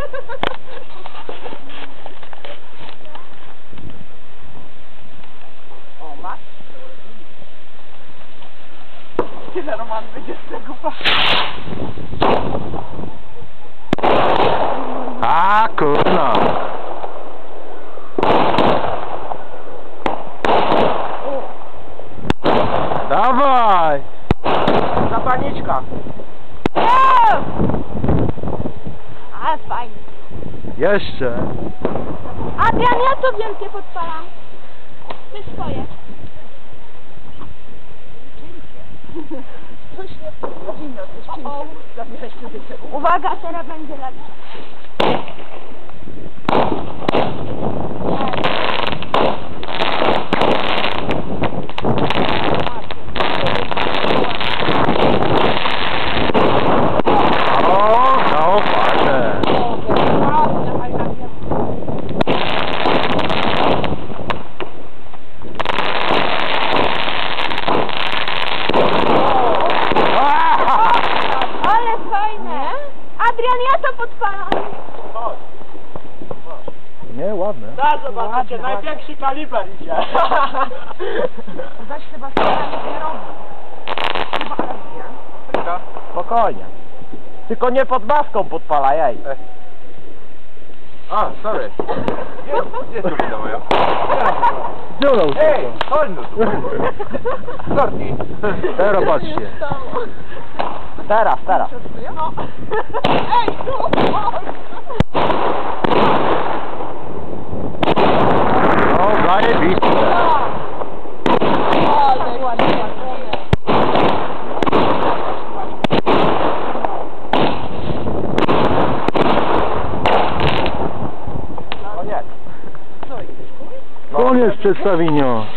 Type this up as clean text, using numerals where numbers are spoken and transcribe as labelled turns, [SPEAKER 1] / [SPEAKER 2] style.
[SPEAKER 1] O, masz? Tyle Roman będzie z tego
[SPEAKER 2] A kurno. Dawaj!
[SPEAKER 1] Zapalniczka.
[SPEAKER 3] Ale fajnie.
[SPEAKER 2] Jeszcze.
[SPEAKER 3] Adrian, ja to wielkie podpalam. Ty swoje.
[SPEAKER 1] Coś nie powinno, coś pięknie.
[SPEAKER 3] Uwaga, teraz będzie lepsze.
[SPEAKER 2] O, no fajne.
[SPEAKER 3] Ale fajne. Adrian, ja to podpalam.
[SPEAKER 2] Nie, ładne.
[SPEAKER 1] Tak, zobaczycie, największy kaliber idzie. Weź Sebastiana, nie robi. Chyba Adrian.
[SPEAKER 2] Spokojnie. Tylko nie pod maską podpalaj, ej.
[SPEAKER 4] A, sorry. Gdzie jest kobieta moja?
[SPEAKER 2] Dziurą
[SPEAKER 4] Ej, chodź no tu. Sorki.
[SPEAKER 2] Teraz patrzcie. Teraz.
[SPEAKER 1] No. Ej, tu!
[SPEAKER 2] No, zajebiste.
[SPEAKER 1] Ale ładnie.
[SPEAKER 2] Koniec przedstawienia.